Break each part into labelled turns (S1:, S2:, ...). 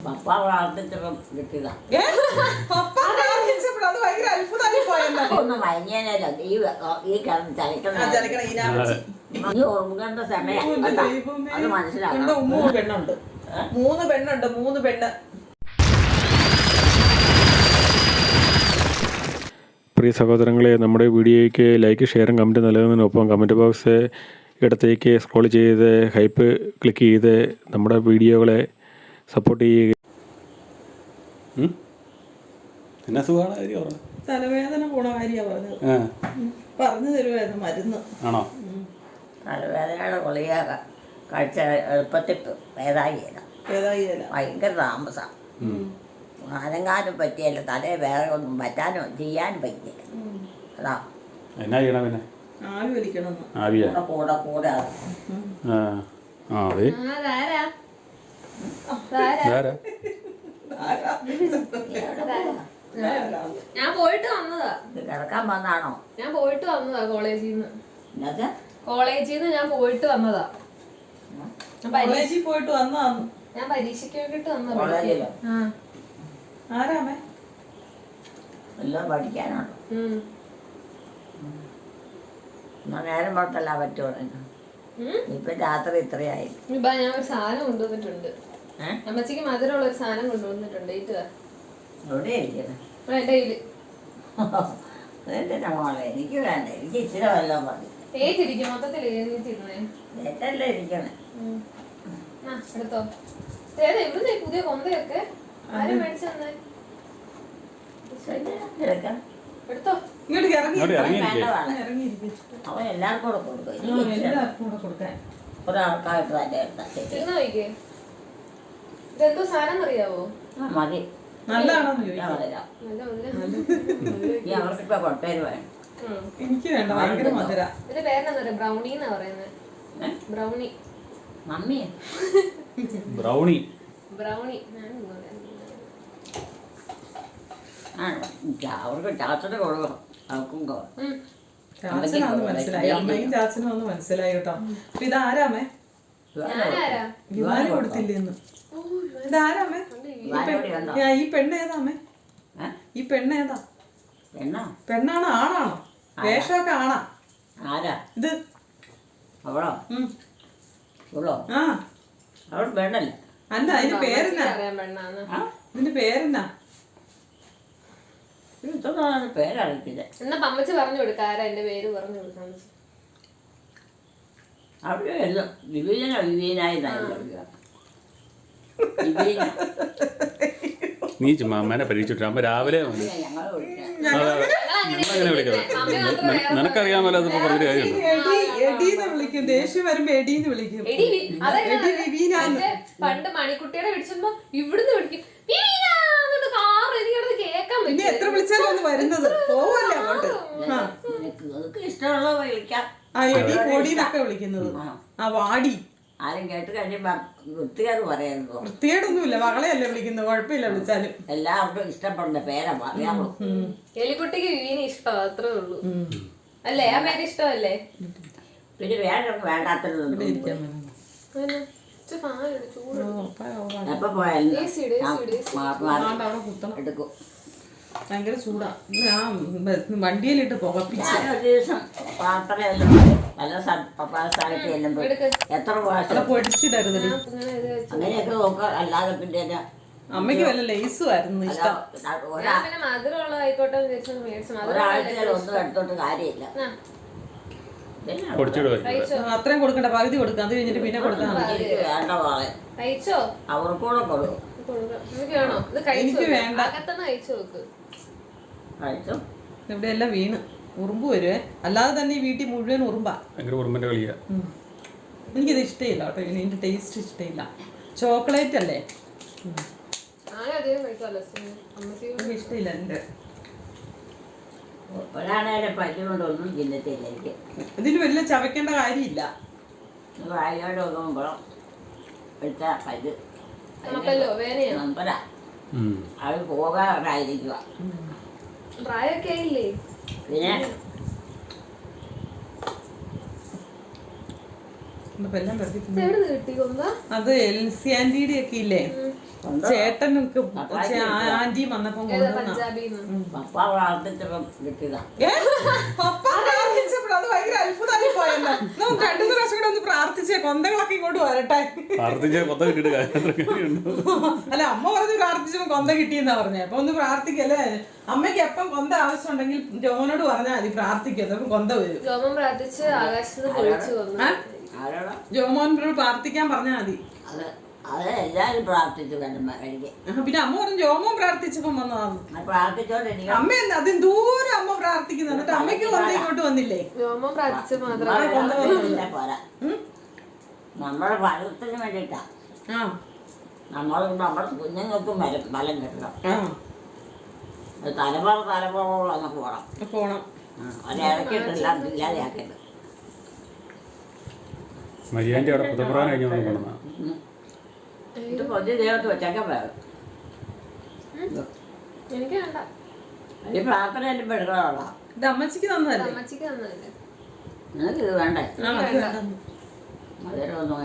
S1: പപ്പ പ്രാർത്ഥിച്ചപ്പം കിട്ടിയതാ. ഒന്ന് മയങ്ങിയനല്ല ഈ കിടന്ന് ചലിക്കണം. നീ ഉറങ്ങേണ്ട സമയം അത് മനസ്സിലാക്കണം.
S2: 3 പെണ്ണുണ്ട്. 3 പെണ്ണുണ്ട്. 3 പെണ്ണ്.
S3: പ്രിയ സഹോദരങ്ങളെ, നമ്മുടെ വീഡിയോയ്ക്ക് ലൈക്ക്, ഷെയറും കമൻറ്റ് നൽകുന്നതിനൊപ്പം കമൻറ്റ് ബോക്സ് ഇടത്തേക്ക് സ്ക്രോൾ ചെയ്ത് ഹൈപ്പ് ക്ലിക്ക് ചെയ്ത് നമ്മുടെ വീഡിയോകളെ സപ്പോർട്ട് ചെയ്യുക. എന്നാ സുഖമാണ് കാര്യം?
S2: തലവേദന പോണ കാര്യമാണ് പറഞ്ഞത്. പറഞ്ഞു തരുമായിരുന്നു മരുന്ന്.
S3: ആണോ?
S1: തലവേദനയുടെ ഗുളിക കഴിച്ച എളുപ്പത്തിൽ ഭേദായില്ല. ഭയങ്കര താമസം. അനങ്ങാനും പറ്റിയല്ല, തലേ വേറെ ഒന്നും പറ്റാനോ ചെയ്യാനും പറ്റിയില്ല. അതാ
S3: എന്നാ ചെയ്യണം പിന്നെ?
S2: ആവി വലിക്കണം.
S1: കൂടെ കൂടെ
S4: ഞാൻ പോയിട്ട് വന്നതാ.
S1: കിടക്കാൻ വന്നാണോ?
S4: ഞാൻ പോയിട്ട് വന്നതാ കോളേജിൽ നിന്ന്. ഞാൻ പോയിട്ട് വന്നതാ.
S2: കോളേജിൽ പോയിട്ട് വന്നതാന്ന്.
S4: ഞാൻ പരീക്ഷയ്ക്ക് വേണ്ടിട്ട് വന്നതാ.
S2: ആരാമേ?
S1: എല്ലാം പഠിക്കാനാണോ? എന്നാ നേരം പുറത്തല്ല പറ്റുള്ളൂ. ഇപ്പൊ രാത്രി ഇത്രയായി.
S4: ഞാൻ ഒരു സാധനം കൊണ്ടുവന്നിട്ടുണ്ട്. അമ്മച്ചിക്ക് മധുരമുള്ള ഒരു സാധനം കൊണ്ടുവന്നിട്ടുണ്ട്.
S1: എവിടെ ഇരിക്കുന്നത്?
S4: എന്റെ കയ്യില്.
S1: അതെന്തിനാ മോളെ? എനിക്ക് വേണ്ട. എനിക്ക് ഇച്ചിരി വല്ലതും മതി.
S4: ഏറ്റിരിക്കും. മൊത്തത്തിൽ ഏറ്റിരുന്നേ.
S1: ഏറ്റല്ലേ ഇരിക്കണേ?
S4: എടുത്തോ. എവിടുന്നേ പുതിയ കൊന്തയൊക്കെ? ആരും മേടിച്ചു തന്നെ. എടുത്തോ.
S2: ഇങ്ങോട്ട്
S1: അവൻ എല്ലാവർക്കും കൂടെ കൊടുക്കും. ഒരാൾക്കായിട്ട് തന്നെ
S4: എടുത്താ നോക്കിക്കേ. ഇതെന്തോ സാധനം അറിയാവോ?
S1: മതി.
S2: നല്ലതാണോന്ന്
S1: ഈ അവർക്കിപ്പോ കൊട്ടേര് വേണം.
S2: എനിക്ക് വേണ്ട. ഭയങ്കര മധുര.
S4: ഇതിന്റെ പേരെന്താ? ബ്രൗണി എന്നാ പറയുന്നത്. ബ്രൗണി.
S1: Mummy
S3: brownie.
S4: ബ്രൗണി.
S1: അവർക്ക് ചാച്ചന് കൊടുക്കും. അവർക്കും
S2: ചാച്ചനാന്ന് മനസ്സിലായി. അമ്മയും ചാച്ചനും ഒന്ന് മനസ്സിലായി കേട്ടോ. അപ്പൊ ഇതാരാമേ? വിവാന് കൊടുത്തില്ലേന്ന്. ഇതാരാമേ? ഈ പെണ്ണേതാമേ? ഈ പെണ്ണേതാ? പെണ്ണാണോ ആണാണോ? വേഷമൊക്കെ ആണാ?
S1: ആരാ
S2: ഇത്?
S1: അവളോ? അവളോ?
S2: ആ
S1: അവൾ പെണ്ണല്ലേ?
S2: അല്ല, അതിന്റെ പേരെന്നാ? ഇതിന്റെ പേരെന്നാ?
S1: പേരറിയില്ല.
S4: എന്നാ പമ്മച്ചി പറഞ്ഞു കൊടുക്ക. ആരാ എന്റെ പേര് പറഞ്ഞു കൊടുക്കാൻ?
S1: അവിടെ എല്ലാം വിവീനായി
S3: നീ ചുമ്മാ അമ്മേനെ പരീക്ഷിച്ചിട്ട് അമ്മ രാവിലെ ഞങ്ങളങ്ങനെ വിളിക്കുന്നത് നിനക്കറിയാമല്ലോ. അതിപ്പോ പറഞ്ഞൊരു കാര്യമുണ്ട്.
S2: എടീന്ന് വിളിക്കും. ദേഷ്യം വരുമ്പോ എടീന്ന് വിളിക്കും.
S4: പണ്ട് മണിക്കുട്ടിയുടെ വിളിച്ചപ്പോ ഇവിടുന്ന് വിളിക്കും.
S2: ഇനി എത്ര വിളിച്ചാലും ഒന്ന് വരുന്നത് പോവല്ലേ അങ്ങോട്ട്.
S1: ഇഷ്ടമുള്ള വിളിക്കാം.
S2: ആ എടി പൊടിന്നൊക്കെ വിളിക്കുന്നത്. ആ വാടി.
S1: ആരും കേട്ട് കഴിയുമ്പോ വൃത്തികേട് പറയുന്നത്.
S2: വൃത്തികേടൊന്നുമില്ല. മകളെയല്ലേ വിളിക്കുന്നത്. കുഴപ്പമില്ല വിളിച്ചാലും.
S1: എല്ലാവർക്കും ഇഷ്ടപ്പെടുന്ന പേരാ പറയാമോ?
S4: എലിക്കുട്ടിക്ക് വിവീനെ ഇഷ്ടം. അത്രേ ഉള്ളൂ അല്ലേ? ആ പേര് ഇഷ്ടമല്ലേ?
S1: പിന്നെ വേറെ വേണ്ടാത്തത് എപ്പോ പോയാലും എടുക്കും.
S2: ഭയങ്കര ചൂടാ. ഞാൻ വണ്ടിയിലിട്ട് പുകപ്പിച്ച്
S1: ഒരു ദിവസം പാത്രമെല്ലാം പല സ്ഥലത്ത് ചെല്ലുമ്പോൾ എത്ര പ്രാവശ്യം
S2: പൊടിച്ചിടരുത്.
S1: അങ്ങനെയൊക്കെ നോക്കുക. അല്ലാതെ പിന്നെ
S2: അമ്മയ്ക്ക് വല്ല ലേസുമായിരുന്നു ഇഷ്ടം.
S1: ഒരാഴ്ചയിൽ ഒന്നും എടുത്തോണ്ട് കാര്യമില്ല.
S2: അത്രയും കൊടുക്കണ്ട. പകുതി കൊടുക്കാം. അത് കഴിഞ്ഞിട്ട് പിന്നെ കൊടുത്താൽ മതി.
S1: വേണ്ട മോളെ, അവർക്കൂടെ കൊടുക്കും.
S2: എനിക്ക് വേണ്ട.
S1: കഴിച്ചു.
S2: ഇവിടെ എല്ലാം വീണ് ഉറുമ്പ് വരുവേ. അല്ലാതെ തന്നെ ഈ വീട്ടിൽ മുഴുവൻ ഉറുമ്പാ. എനിക്കിത് ഇഷ്ടമില്ല കേട്ടോ. ഇതിന്റെ ടേസ്റ്റ് ഇഷ്ടമില്ല. ചോക്ലേറ്റ് അല്ലേ? ഇഷ്ടമില്ല. എന്റെ
S1: ഒരാണേലും പല്ല് കൊണ്ടൊന്നും ചിന്തത്തില്ല എനിക്ക്.
S2: ഇതിന് വലിയ ചവയ്ക്കേണ്ട കാര്യമില്ല.
S1: വായോട് നോക്കുമ്പോഴും എടുത്ത പല്ല് നമ്പരാ. അത് പോകാറായിരിക്കുക. പിന്നെ
S2: അത് എൽസി ആന്റിയുടെ ഒക്കെ ഇല്ലേ, ചേട്ടനൊക്കെ ആന്റിയും വന്നപ്പം കൊണ്ടുവന്ന
S4: പഞ്ചാബിന്ന്
S1: പപ്പ പ്രാർത്ഥിച്ചപ്പം കിട്ടിയതാ.
S2: പപ്പ പ്രാർത്ഥിച്ചപ്പോൾ അത് ഭയങ്കര അത്ഭുതമായി പോയല്ലോ. നമുക്ക് 2 പ്രാവശ്യം കൂടെ ഒന്ന് പ്രാർത്ഥിച്ചേ കൊന്തകളൊക്കെ ഇങ്ങോട്ട് വരട്ടെ. അല്ല അമ്മ പറഞ്ഞ് പ്രാർത്ഥിച്ചപ്പോ കൊന്ത കിട്ടിയെന്നാ പറഞ്ഞേ. അപ്പൊ ഒന്ന് പ്രാർത്ഥിക്കല്ലേ. അമ്മയ്ക്ക് എപ്പം കൊന്ത ആവശ്യം ഉണ്ടെങ്കിൽ ജോമനോട് പറഞ്ഞാൽ മതി പ്രാർത്ഥിക്കും, അപ്പൊ കൊന്ത വരും.
S4: ജോമൻ പ്രാർത്ഥിച്ച് ആകാശത്ത് പൊളിച്ചു വന്നു.
S1: ആരോടാ?
S2: ജോമോനോട് പ്രാർത്ഥിക്കാൻ പറഞ്ഞാൽ മതി.
S1: അത് എല്ലാരും പ്രാർത്ഥിച്ചു കണ്ടു എനിക്ക്.
S2: പിന്നെ അമ്മ പറഞ്ഞു ജോമോൻ പ്രാർത്ഥിച്ചപ്പം വന്നതാണ്.
S1: പ്രാർത്ഥിച്ചോണ്ടിരിക്കും.
S2: അമ്മ എന്താ അതിന് ദൂരം അമ്മ പ്രാർത്ഥിക്കുന്നു, എന്നിട്ട് അമ്മയ്ക്ക് കൊന്ത ഇങ്ങോട്ട് വന്നില്ലേ?
S4: ജോമൻ പ്രാർത്ഥിച്ച് മാത്രമേ
S1: പോരാ, നമ്മുടെ ഫലത്തിന് വേണ്ടിയിട്ടാ. നമ്മുടെ കുഞ്ഞുങ്ങൾക്കും ഫലം കിട്ടണം. തലമുറ നമുക്ക് പോകണം. അതിടക്കിട്ടെല്ലാം ഇല്ലാതെയാക്കരുത്.
S3: മരിയാൻ്റെ അവിടെ പുതപ്പുറാൻ കഴിഞ്ഞു കൊണ്ടുവന്ന
S1: ഇത് പൊതി ദേവത്ത് വെച്ചൊക്കെ വേണം.
S4: എനിക്ക് വേണ്ട.
S1: ഈ പ്രാർത്ഥന എല്ലാം പെടുകളാ.
S2: ഇത് അമ്മച്ചിക്ക് തന്നതല്ലേ?
S4: അമ്മച്ചിക്ക് തന്നതല്ലേ?
S1: നിനക്ക് ഇത് വേണ്ടേ? മധുരമൊന്നും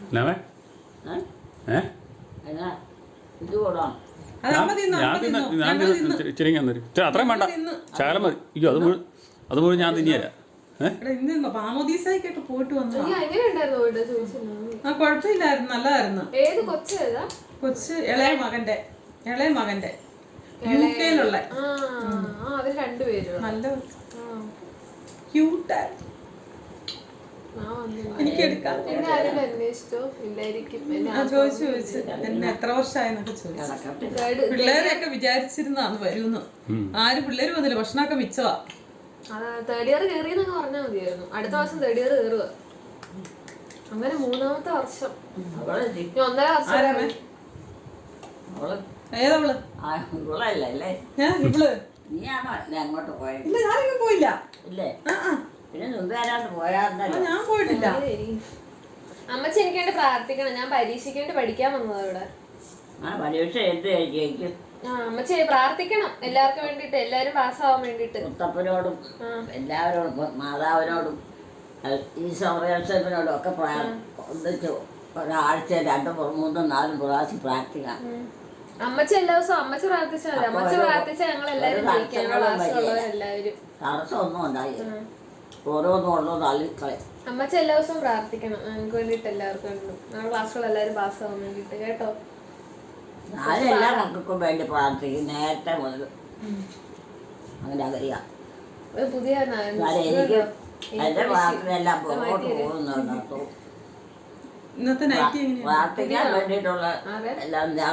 S1: എന്നാ ഇത് കൂടാം.
S3: ഇച്ചിരി അത്രയും വേണ്ട, ശകലം മതി. അയ്യോ അത് മുഴുവൻ ഞാൻ തിന്നിയരാ.
S2: പാമോദീസായിട്ടൊക്കെ പോയിട്ട് വന്നു.
S4: കുഴപ്പമില്ലായിരുന്നു,
S2: നല്ലതായിരുന്നു.
S4: ഏത് കൊച്ചേതാ?
S2: കൊച്ച് ഇളയ മകന്റെ യുകെയിലുള്ള.
S4: അവര് രണ്ടുപേരും
S2: നല്ല ക്യൂട്ടായിരുന്നു. എനിക്ക് എടുക്കാം.
S4: എന്നെ ആരും അന്വേഷിച്ചോ? ഇല്ലായിരിക്കും.
S2: ചോദിച്ചു എന്നെ എത്ര വർഷമായെന്നൊക്കെ ചോദിച്ചു. പിള്ളേരെയൊക്കെ വിചാരിച്ചിരുന്നാന്ന് വരുമെന്ന്. ആരും പിള്ളേര് വന്നില്ല, ഭക്ഷണമൊക്കെ മിച്ചവാ.
S4: 3rd year കയറിയെന്നൊക്കെ പറഞ്ഞാൽ മതിയായിരുന്നു. അടുത്ത വർഷം 3rd year കയറുക. അങ്ങനെ 3ാമത്തെ വർഷം 1.5 വർഷം.
S2: ഏതവള്?
S1: നീയാണോ അങ്ങോട്ട് പോയത്?
S2: ഇല്ല, ഞാനിങ്ങ് പോയില്ല.
S1: ഇല്ലേ? പിന്നെ മുമ്പ് വരാണ്ട് പോയായിരുന്നല്ലോ.
S2: ഞാൻ പോയിട്ടില്ല.
S4: അമ്മച്ചി എനിക്ക് വേണ്ടി പ്രാർത്ഥിക്കണം. ഞാൻ പരീക്ഷയ്ക്ക് വേണ്ടി പഠിക്കാൻ വന്നതാ ഇവിടെ.
S1: പരീക്ഷ എന്ത് കഴിക്കും?
S4: അമ്മച്ചി പ്രാർത്ഥിക്കണം എല്ലാവർക്കും വേണ്ടിട്ട്, എല്ലാരും പാസ്സാവാൻ വേണ്ടിട്ട്.
S1: മുത്തപ്പനോടും എല്ലാവരോടും മാതാവിനോടും ഈശോയോടും ഒക്കെ ഒന്നിച്ച് ഒരാഴ്ച 2, 3, 4 പ്രാവശ്യം പ്രാർത്ഥിക്കാം.
S4: അമ്മച്ചി എല്ലാ ദിവസവും അമ്മച്ചി പ്രാർത്ഥിച്ചാൽ മതി. അമ്മച്ചി പ്രാർത്ഥിച്ചാൽ ഞങ്ങൾ എല്ലാവരും എല്ലാവരും
S1: തടസ്സമൊന്നും ഉണ്ടായില്ല. ഓരോന്നും തള്ളിക്കളയും.
S4: അമ്മച്ചി എല്ലാ ദിവസവും പ്രാർത്ഥിക്കണം ഞങ്ങൾക്ക് വേണ്ടിട്ട്, എല്ലാവർക്കും വേണ്ടി. ഞങ്ങളുടെ ക്ലാസ്സുകൾ എല്ലാവരും പാസ്സാവാൻ വേണ്ടിട്ട് കേട്ടോ.
S1: ഞാൻ എല്ലാ മക്കൾക്കും വേണ്ടി പ്രാർത്ഥിക്കും നേരത്തെ മുതൽ. അങ്ങനെ അറിയാം.
S4: പുതിയ
S1: എനിക്ക് എന്റെ പ്രാർത്ഥന എല്ലാം പുറകോട്ട് പോകുന്നുണ്ടോ. പ്രാർത്ഥിക്കാൻ വേണ്ടിയിട്ടുള്ള എല്ലാം ഞാൻ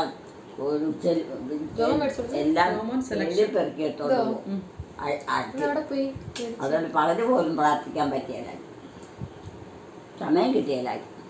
S1: എല്ലാം പെറുക്കിയിട്ടുണ്ട്. അതുകൊണ്ട് പകുതി പോലും പ്രാർത്ഥിക്കാൻ പറ്റിയല്ല, സമയം കിട്ടിയല്ല.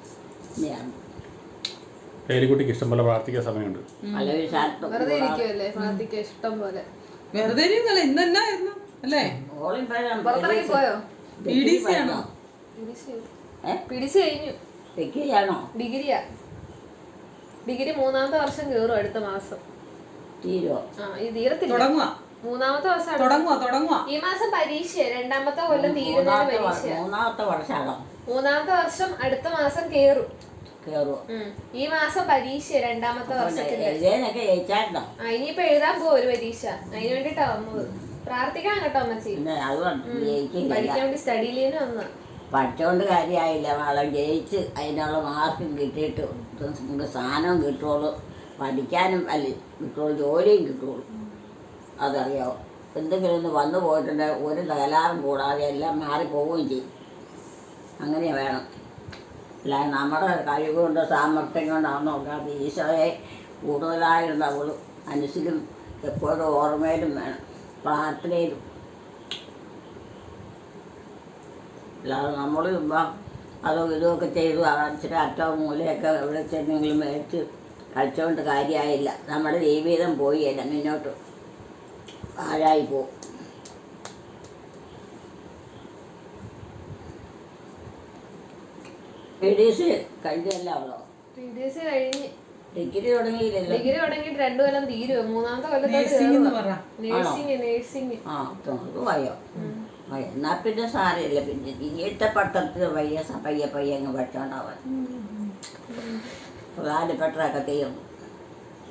S3: പേരിക്കുട്ടിക്ക് ഇഷ്ടം പോലെ പ്രാർത്ഥിക്കാൻ സമയമുണ്ട്.
S4: വെറുതെ ഇരിക്കുമല്ലേ പ്രാർത്ഥിക്കാൻ ഇഷ്ടം പോലെ.
S2: വെറുതെ ഇന്നെന്നായിരുന്നു അല്ലേ?
S4: പുറത്തിറങ്ങി പോയോ?
S2: PDC ആണോ?
S4: PDC കഴിഞ്ഞു. ഡിഗ്രിയാ. ഡിഗ്രി 3ാമത്തെ വർഷം കയറും അടുത്ത മാസം. തീരത്തില്ല, 3ാമത്തെ വർഷം. ഈ മാസം പരീക്ഷ 2ാമത്തെ കൊല്ലം തീരുന്ന പരീക്ഷ. 3ാമത്തെ വർഷം അടുത്ത മാസം കേറും. ഈ മാസം പരീക്ഷ 2ാമത്തെ വർഷത്തിന്റെ. ഇനിയിപ്പോ എഴുതാൻ പോകും ഒരു പരീക്ഷ. അതിന് വേണ്ടിട്ടാ വന്നത്. പ്രാർത്ഥിക്കാൻ കേട്ടോ അമ്മച്ചി. പഠിക്കാൻ വേണ്ടി സ്റ്റഡി ലീവിന് വന്ന.
S1: പഠിച്ചോണ്ട് കാര്യമായില്ല. നാളെ ജയിച്ച് അതിനുള്ള മാർക്കും കിട്ടിയിട്ട് നമുക്ക് സ്ഥാനവും കിട്ടുള്ളൂ, പഠിക്കാനും അല്ല കിട്ടുള്ളൂ, ജോലിയും കിട്ടുള്ളൂ. അതറിയാമോ? എന്തെങ്കിലും ഒന്ന് വന്നു പോയിട്ടുണ്ടെങ്കിൽ ഒരു തകരാറും കൂടാതെ എല്ലാം മാറിപ്പോവുകയും ചെയ്യും. അങ്ങനെ വേണം. അല്ല നമ്മുടെ കഴിവുകൊണ്ടോ സാമർഥ്യം കൊണ്ടാണോ നോക്കാതെ ഈശോയെ കൂടുതലായിരുന്നവളും മനസ്സിലും എപ്പോഴും ഓർമ്മയിലും വേണം, പ്രാർത്ഥനയിലും. അല്ലാതെ നമ്മൾ ഇപ്പം അതോ ഇതൊക്കെ ചെയ്തു ഇച്ചിരി അറ്റവും മൂലയൊക്കെ എവിടെ ചെന്നെങ്കിലും മേടിച്ച് കഴിച്ചുകൊണ്ട് കാര്യമായില്ല. നമ്മുടെ ജീവിതം പോയില്ല, മുന്നോട്ട് ആഴായി പോവും. PDC കഴിഞ്ഞല്ല അവളോ?
S4: PDC കഴിഞ്ഞ്.
S1: ഡിഗ്രി തുടങ്ങിയില്ലല്ലോ.
S4: ഡിഗ്രി തുടങ്ങിയിട്ട് 2 കൊല്ലം തീരുവോ? 3ാമത്തെ കൊല്ലത്തോട്ട് നേഴ്സിംഗ്.
S1: വയ്യോ എന്നാ പിന്നെ സാരമില്ല. പിന്നെ ഇനിയത്തെ പട്ടത്തിന് പയ്യെ അങ്ങ് പഠിച്ചോണ്ടാവാൻ പ്രധാനപ്പെട്ടതൊക്കെ തീർന്നു.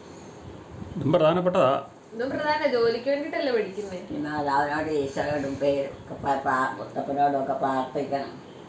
S3: ഇതും പ്രധാനപ്പെട്ടതാ.
S4: ഇതും പ്രധാന ജോലിക്ക് വേണ്ടിട്ടല്ലേ പഠിക്കുന്നേ.
S1: പിന്നെ അവനോട് ഈശോയോടും പേരൊക്കെ പ്രാർത്ഥിക്കണം.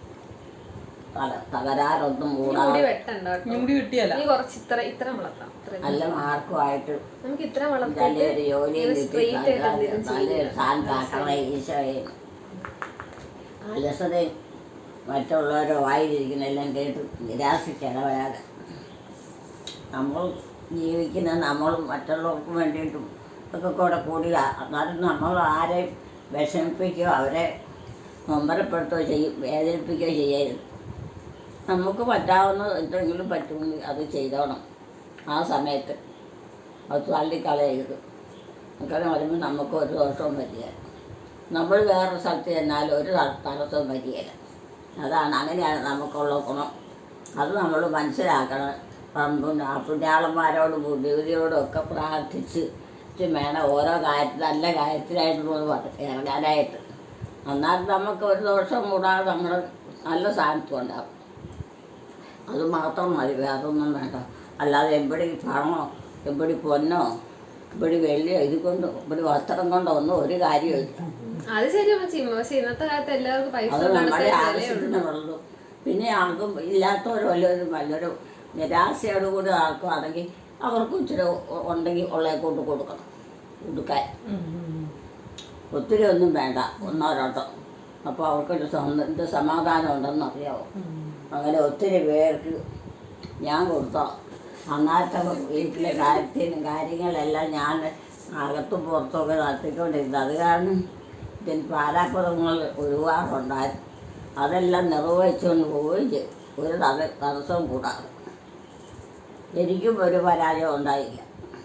S1: തകരാറൊന്നും
S4: മുടി
S1: കൂടാതെ
S4: വെട്ടണ്ട കേട്ടോ.
S2: മുടി കിട്ടിയല്ല
S4: നീ കുറച്ച് ഇത്ര വളർത്താം.
S1: നല്ല മാർക്കുമായിട്ട്
S4: നമുക്ക് ഇത്ര
S1: നല്ലൊരു ജോലിയും കിട്ടി
S4: സ്ട്രെയിറ്റ് ആയിട്ട്
S1: നല്ലൊരു സ്ഥാനത്താക്കണ ഈശോയെ. അലസതയും മറ്റുള്ളവരോ വായിരിക്കുന്നതെല്ലാം കേട്ട് നിരാശിച്ചിടവരാതെ നമ്മൾ ജീവിക്കുന്നത് നമ്മളും മറ്റുള്ളവർക്കും വേണ്ടിയിട്ടും ഒക്കെ കൂടി എന്നാലും നമ്മൾ ആരെയും വിഷമിപ്പിക്കുകയോ അവരെ നൊമ്പരപ്പെടുത്തുകയോ വേദനിപ്പിക്കുകയോ ചെയ്യരുത്. നമുക്ക് പറ്റാവുന്ന എന്തെങ്കിലും പറ്റുമെങ്കിൽ അത് ചെയ്തോണം. ആ സമയത്ത് അത് തള്ളിക്കളയരുത്. അങ്ങനെ വരുമ്പോൾ നമുക്ക് ഒരു ദോഷവും പറ്റിയല്ല. നമ്മൾ വേറൊരു സ്ഥലത്ത് ചെന്നാലും ഒരു തടസ്സവും പറ്റിയല്ല. അതാണ് അങ്ങനെയാണ് നമുക്കുള്ള ഗുണം. അത് നമ്മൾ മനസ്സിലാക്കണം. പുണ്യാളന്മാരോടും ബുദ്ധിയോടും ഒക്കെ പ്രാർത്ഥിച്ച് വേണം ഓരോ കാര്യത്തിൽ നല്ല കാര്യത്തിലായിട്ട് ഇറങ്ങാനായിട്ട്. എന്നാൽ നമുക്ക് ഒരു ദോഷം കൂടാതെ നമ്മൾ നല്ല സ്ഥാനത്തും ഉണ്ടാകും. അത് മാത്രം മതി, വേറൊന്നും വേണ്ട. അല്ലാതെ എവിടെ പണമോ എവിടെ പൊന്നോ ഇവിടെ വെള്ളിയോ ഇത് കൊണ്ടോ ഇവിടെ വസ്ത്രം കൊണ്ടോ ഒന്നും ഒരു കാര്യമില്ല.
S4: അത് ശരിയാ. പക്ഷെ ഇന്നത്തെ കാലത്ത് എല്ലാവർക്കും പൈസ
S1: അത് നമ്മുടെ ആവശ്യത്തിനുള്ളൂ. പിന്നെ ആർക്കും ഇല്ലാത്തവരോ വല്ലൊരു നിരാശയോടുകൂടി ആർക്കുവാണെങ്കിൽ അവർക്കും ഇച്ചിരി ഉണ്ടെങ്കിൽ ഉള്ളയെ കൊണ്ട് കൊടുക്കണം കൊടുക്കാൻ. ഒത്തിരി ഒന്നും വേണ്ട, ഒന്നോ രണ്ടോ. അപ്പോൾ അവർക്കൊരു എന്ത് സമാധാനം ഉണ്ടെന്ന് അറിയാമോ. അങ്ങനെ ഒത്തിരി പേർക്ക് ഞാൻ കൊടുത്തോ. അന്നത്തെ വീട്ടിലെ കാര്യങ്ങളെല്ലാം ഞാൻ അകത്തും പുറത്തുമൊക്കെ നടത്തിക്കൊണ്ടിരുന്നത്. അത് കാരണം ഇതിന് പാരാപ്പുറങ്ങൾ ഒരുപാടുണ്ടായിരുന്നു. അതെല്ലാം നിർവഹിച്ചുകൊണ്ട് പോവുകയും ചെയ്തു. ഒരു തടസ്സവും കൂടാതെ എനിക്കും ഒരു പരാജയം ഉണ്ടായില്ല.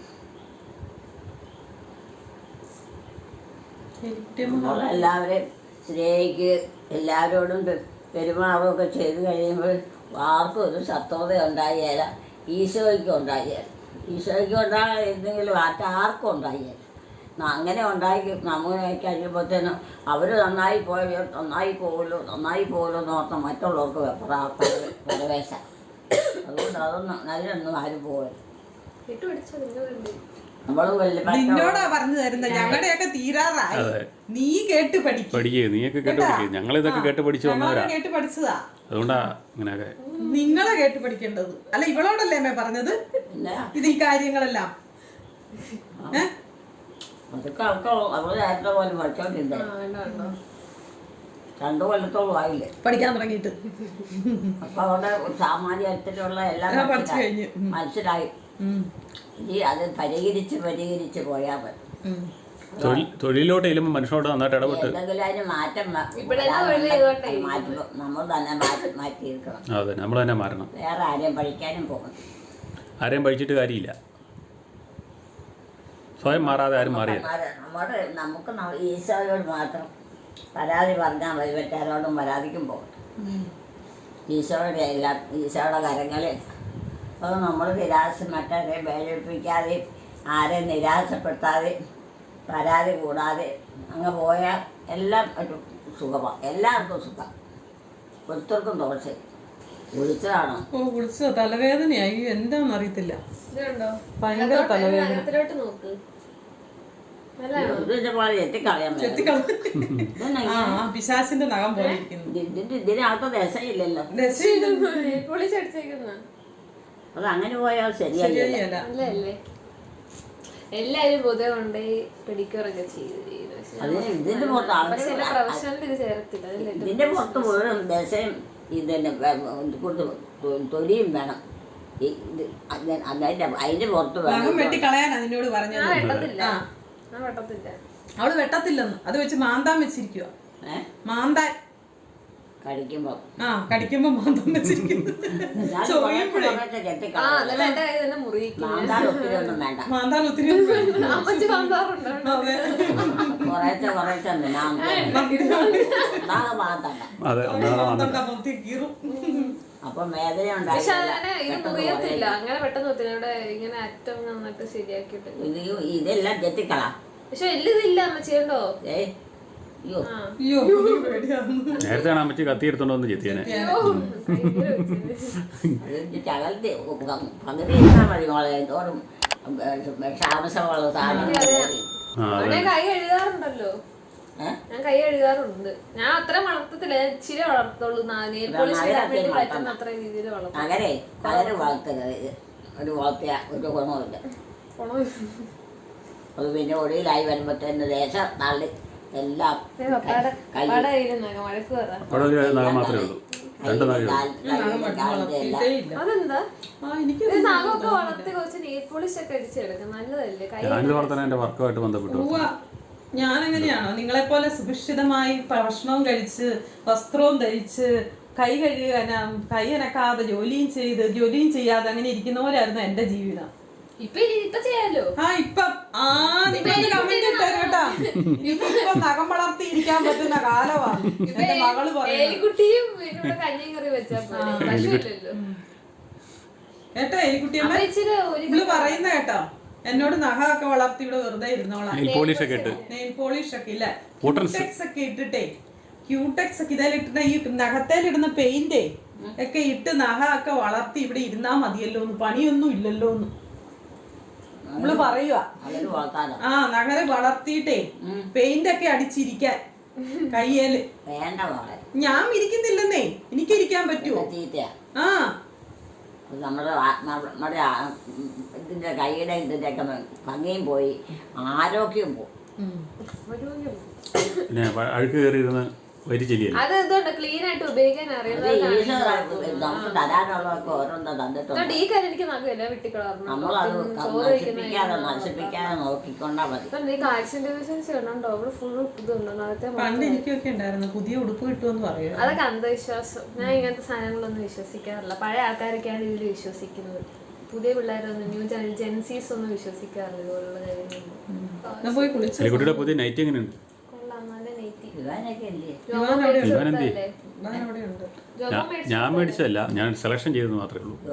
S1: നമ്മളെല്ലാവരെയും സ്നേഹിക്കുക, എല്ലാവരോടും പെരുമാറുകയൊക്കെ ചെയ്ത് കഴിയുമ്പോൾ ആർക്കും ഒരു ശത്രുത ഉണ്ടായില്ല. ഈശോയ്ക്കും ഉണ്ടായില്ല. ഈശോയ്ക്കും ഉണ്ടായിരുന്നെങ്കിലും ആർക്കും ഉണ്ടായില്ല. അങ്ങനെ ഉണ്ടാക്കി നമ്മൾ കഴിയുമ്പോഴത്തേനും അവർ നന്നായി പോകുമല്ലോ എന്ന് ഓർത്ത് മറ്റുള്ളവർക്ക് പ്രവേശം. അതുകൊണ്ട് അതൊന്നും നല്ലൊന്നും ആരും പോകരുത്.
S2: നിന്നോടാ പറഞ്ഞു തരുന്നത്. ഞങ്ങളുടെയൊക്കെ തീരാറായി. നീ കേട്ട് പഠിക്കുക.
S3: നീയൊക്കെ കേട്ട് പഠിക്കുക. ഞങ്ങളിതൊക്കെ കേട്ട് പഠിച്ചു വന്നവരാ.
S2: കേട്ട് പഠിച്ചതാ.
S3: അതുകൊണ്ടാ ഇങ്ങനെയൊക്കെ.
S2: നിങ്ങളെ കേട്ട് പഠിക്കേണ്ടത്. അല്ല, ഇവളോടല്ലേ അമ്മേ പറഞ്ഞത് ഇത് ഈ കാര്യങ്ങളെല്ലാം?
S1: അതൊക്കെ അവള് നേരത്തെ പോലെ പഠിച്ചോണ്ടിരുന്നേ. 2 കൊല്ലത്തോളം ആയില്ലേ
S2: പഠിക്കാൻ തുടങ്ങിയിട്ട്.
S1: അപ്പൊ അവിടെ സാമാന്യത്തിലുള്ള എല്ലാം
S2: പഠിച്ചു കഴിഞ്ഞു
S1: മനസ്സിലായി. ഇനി അത് പരിഹരിച്ച് പോയാൽ മതി.
S3: തൊഴിലോട്ട് ചെല്ലുമ്പോൾ മനുഷ്യനോട് നന്നായിട്ട് ഇടപെട്ട്
S1: എന്തെങ്കിലും അതിന് മാറ്റം നമ്മൾ തന്നെ മാറ്റിയിരിക്കണം.
S3: അതെ, നമ്മൾ തന്നെ മാറണം.
S1: വേറെ ആരെയും പഠിക്കാനും പോകണം.
S3: ആരെയും പഠിച്ചിട്ട് കാര്യമില്ല. സ്വയം മാറാതെ ആരും മാറിയില്ല.
S1: നമുക്ക് ഈശോയോട് മാത്രം പരാതി പറഞ്ഞാൽ മതി. മറ്റാരോടും പരാതിക്കും പോകട്ടെ. ഈശോയുടെ എല്ലാം ഈശോയുടെ കരങ്ങളിൽ അത് നമ്മൾ മറ്റവരെ വേദനിപ്പിക്കാതെ ആരെയും നിരാശപ്പെടുത്താതെ പരാതി കൂടാതെ അങ്ങ് പോയാൽ എല്ലാം ഒരു സുഖമാണ്. എല്ലാവർക്കും സുഖം, ഒത്തിരിക്കും ദോഷം. വിളിച്ചതാണോ?
S2: വിളിച്ചോ? തലവേദനയായി. എന്താണെന്ന് അറിയത്തില്ല. ഭയങ്കര തലവേദന. പിശാചിന്റെ നഖം പോലെ
S1: ഇതിനകത്ത് ദശയില്ലല്ലോ. അത് അങ്ങനെ പോയാൽ ശരിയല്ല.
S4: എല്ലാരും പൊതുവെ കൊണ്ടുപോയി പിടിക്കുകയൊക്കെ
S1: ഇതിന്റെ പുറത്ത് മുഴുവൻ ദശയും ഇതിന്റെ തൊലിയും വേണം. അതിന്റെ പുറത്ത് വേണം
S2: വെട്ടിക്കളയാൻ അതിനോട് പറഞ്ഞത്. അവള് വെട്ടത്തില്ലെന്ന്. അത് വെച്ച് മാന്താൻ വെച്ചിരിക്കുക. മാന്താൻ കടിക്കുമ്പോ മാന്താൻ വെച്ചിരിക്കുന്നു. മാന്താൻ ഒത്തിരി
S1: അപ്പൊ വേദന
S4: മുറിയത്തില്ല. അങ്ങനെ പെട്ടെന്ന് ഇങ്ങനെ അറ്റം നന്നായിട്ട് ശരിയാക്കിയിട്ട്
S1: ഇതെല്ലാം ചെത്തിക്കളാ.
S4: പക്ഷെ എല്ലിതില്ല അമ്മച്ചിയുണ്ടോ?
S3: നേരത്തെ അമ്മച്ചി കത്തി എടുത്തോണ്ട് വന്ന് ചെത്തിയാനെ.
S1: പകുതി ഇരുന്നാൽ മതി മോളെ. തോറും വിഷാംശമുള്ള സാധനങ്ങൾ കയറി.
S4: അവിടെ കൈ കഴുകാറുണ്ടല്ലോ. ഞാൻ കൈ കഴുകാറുണ്ട്. ഞാൻ അത്ര വളർത്തത്തില്ല, ഞാൻ ഇച്ചിരി വളർത്തുള്ളൂ. നെയിൽ പോളിഷ് ഇടാൻ വേണ്ടി പറ്റുന്ന അത്ര രീതിയിൽ വളർത്തും.
S1: അങ്ങനെ വളർത്തരുത്. ഒരു വളർത്തിയ ഒരു ഗുണമില്ല. അത് പിന്നെ ഒടിയിലായി വരുമ്പോഴത്തേന് ദേശം തള്ളി എല്ലാം
S4: വഴക്ക് പറ. അതെന്താ നഖമൊക്കെ വളർത്തി കുറച്ച് നെയിൽ പോളിഷ് ഒക്കെ അടിച്ചെടുക്കും, നല്ലതല്ലേ? കൈ
S2: ഞാനെങ്ങനെയാണോ നിങ്ങളെ പോലെ സുഭിക്ഷിതമായി ഭക്ഷണവും കഴിച്ച് വസ്ത്രവും ധരിച്ച് കൈ കൈ അനക്കാതെ ജോലിയും ചെയ്യാതെ അങ്ങനെ ഇരിക്കുന്നവരായിരുന്നു എന്റെ ജീവിതം.
S4: ഇപ്പൊ ചെയ്യാലോ.
S2: നഖം വളർത്തി ഇരിക്കാൻ പറ്റുന്ന കാലമാണ് എന്റെ മകള്
S4: എലിക്കുട്ടിയും കഞ്ഞിയും കറി വെച്ചാൽ
S2: കേട്ടോ. എലിക്കുട്ടിയമ്മ ഇവള് പറയുന്ന കേട്ടോ, എന്നോട് നഖമൊക്കെ വളർത്തി ഇവിടെ വെറുതെ ഇരുന്നോളാം. നെയിൽ പോളിഷ് ഒക്കെ ഇല്ല, ക്യൂടെക്സ് ഒക്കെ ഇട്ടിട്ടേ, ക്യൂടെക്സ് ഒക്കെ ഇതിലിട്ടിട്ട് ഈ നഖത്തേലിടുന്ന പെയിന്റ് ഒക്കെ ഇട്ട് നഖമൊക്കെ വളർത്തി ഇവിടെ ഇരുന്നാ മതിയല്ലോ എന്ന്, പണിയൊന്നും ഇല്ലല്ലോ എന്ന് നമ്മള് പറയുക. നഖരെ വളർത്തിയിട്ടേ പെയിന്റ് ഒക്കെ അടിച്ചിരിക്കാൻ കയ്യേല്. ഞാൻ ഇരിക്കുന്നില്ലെന്നേ, എനിക്ക് ഇരിക്കാൻ പറ്റുമോ?
S1: നമ്മുടെ ഇതിന്റെ കൈയുടെ ഇതിന്റെയൊക്കെ ഭംഗിയും പോയി, ആരോഗ്യം പോകും.
S5: അഴുക്ക് കയറിയിരുന്ന്
S4: ക്ലീൻ ആയിട്ട് ഉപയോഗിക്കാൻ
S1: നമുക്ക് തരാനുള്ളതൊക്കെ ഓരോന്നും തന്നിട്ടുണ്ട്. നമ്മളത് നശിപ്പിക്കാതെ നോക്കിക്കൊണ്ടാ മതി.
S2: പണ്ട് എനിക്കൊക്കെ ഉണ്ടായിരുന്നു പുതിയ ഉടുപ്പ് കിട്ടുമെന്ന് പറയുന്നത്.
S4: അതൊക്കെ അന്ധവിശ്വാസം. ഞാൻ ഇങ്ങനത്തെ സാധനങ്ങളൊന്നും വിശ്വസിക്കാറില്ല. പഴയ ആൾക്കാരൊക്കെയാണ് ഇതിൽ വിശ്വസിക്കുന്നത്. പുതിയ പിള്ളേരൊന്നും ന്യൂ ജെൻസീസ് ഒന്നും വിശ്വസിക്കാറില്ല ഇതുപോലുള്ള കാര്യങ്ങളൊന്നും.
S5: പുതിയ നൈറ്റ് എങ്ങനെയുണ്ട്? ഞാൻ മേടിച്ചതല്ല, ഞാൻ സെലക്ഷൻ ചെയ്തെന്ന് മാത്രമേ ഉള്ളൂ.